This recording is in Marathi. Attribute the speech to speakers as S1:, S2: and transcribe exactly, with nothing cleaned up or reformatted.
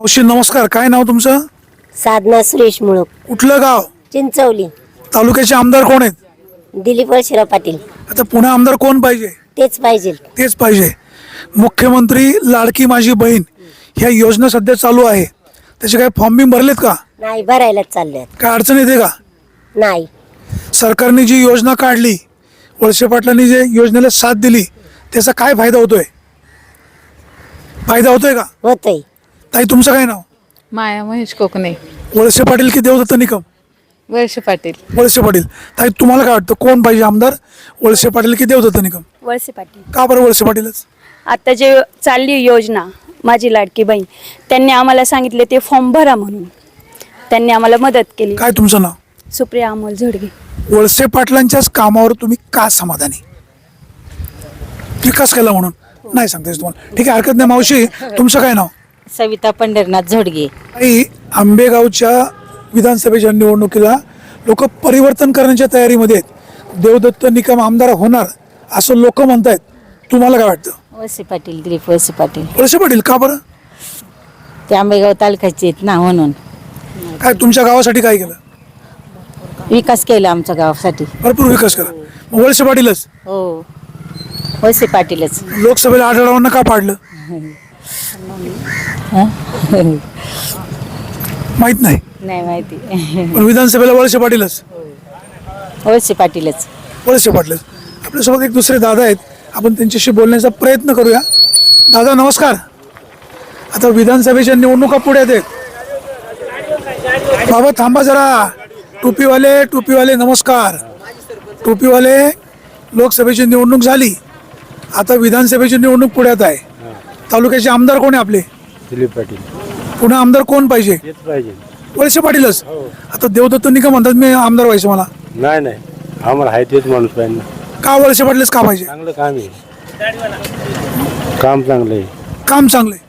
S1: मावशी नमस्कार, काय नाव तुमचं?
S2: साधना सुरेश मुळक,
S1: कुठलं गाव?
S2: चिंचवली.
S1: तालुक्याचे आमदार कोण आहेत?
S2: दिलीप वळसेराव पाटील.
S1: आता पुणे आमदार कोण पाहिजे?
S2: तेच पाहिजे.
S1: तेच पाहिजे. मुख्यमंत्री लाडकी माझी बहीण ह्या योजना सध्या चालू आहे, त्याचे काय फॉर्म बिम भरलेत का?
S2: नाही, भरायलाच चालल्यात.
S1: काय अडचण येते का?
S2: नाही.
S1: सरकारने जी योजना काढली, वळसे पाटलांनी जे योजनेला साथ दिली, त्याचा काय फायदा होतोय? फायदा होतोय का?
S2: होतय.
S1: ताई तुमचं काय नाव?
S3: माया महेश कोकणे.
S1: वळसे पाटील की देवदत्त निकम?
S3: वर्ष पाटील.
S1: वळसे पाटील. ताई तुम्हाला काय वाटतं, कोण पाहिजे आमदार, वळसे पाटील की देवदत्त निकम?
S4: वळसे पाटील.
S1: का बरं वळसे पाटीलच?
S4: आता जे चालली योजना माझी लाडकी बहीण, त्यांनी आम्हाला सांगितले ते फॉर्म भरा म्हणून. त्यांनी आम्हाला मदत केली.
S1: काय तुमचं नाव?
S4: सुप्रिया अमोल झोडगे.
S1: वळसे पाटलांच्याच कामावर तुम्ही का समाधानी? विकास केला म्हणून नाही सांगता येत तुम्हाला? ठीक आहे, हरकत नाही. मावशी तुमचं काय नाव?
S2: सविता पंढरनाथ झोडगे.
S1: आई आंबेगावच्या विधानसभेच्या निवडणुकीला लोक परिवर्तन करण्याच्या तयारीमध्ये आहेत. देवदत्त निकम आमदार होणार असं लोक म्हणतायत, तुम्हाला काय वाटतं?
S2: वळसे पाटील, दिलीप वळसे पाटील.
S1: वळसे पाटील का बरं?
S2: ते आंबेगाव तालुक्याचे आहेत ना, म्हणून.
S1: काय तुमच्या गावासाठी काय केलं?
S2: विकास केला आमच्या गावासाठी.
S1: भरपूर विकास केला. मग वळसे पाटीलच?
S2: हो, वळसे पाटीलच.
S1: लोकसभेला आढळवांना का पाडलं? माहित नाही.
S2: नाही माहिती.
S1: पण विधानसभेला वळसे पाटीलच?
S2: वळसे पाटीलच.
S1: वळसे पाटीलच. आपल्यासोबत एक दुसरे दादा आहेत, आपण त्यांच्याशी बोलण्याचा प्रयत्न करूया. दादा नमस्कार. आता विधानसभेच्या निवडणुका पुढे आहेत. बाबा थांबा जरा. टोपीवाले टोपीवाले नमस्कार. टोपीवाले, लोकसभेची निवडणूक झाली, आता विधानसभेची निवडणूक पुढ्यात आहे. तालुक्याचे आमदार कोण आहे आपले?
S5: दिलीप पाटील.
S1: पुन्हा आमदार कोण पाहिजे?
S5: तेच पाहिजे.
S1: वळसे पाटीलच. आता देवदत्त निकम म्हणतात मी आमदार व्हायचं मला.
S5: नाही नाही, आम्हाला आहे तेच माणूस पाहिजे ना.
S1: का वळसे पाटीलच का पाहिजे?
S5: चांगलं काम आहे, काम चांगलं आहे.
S1: काम चांगले.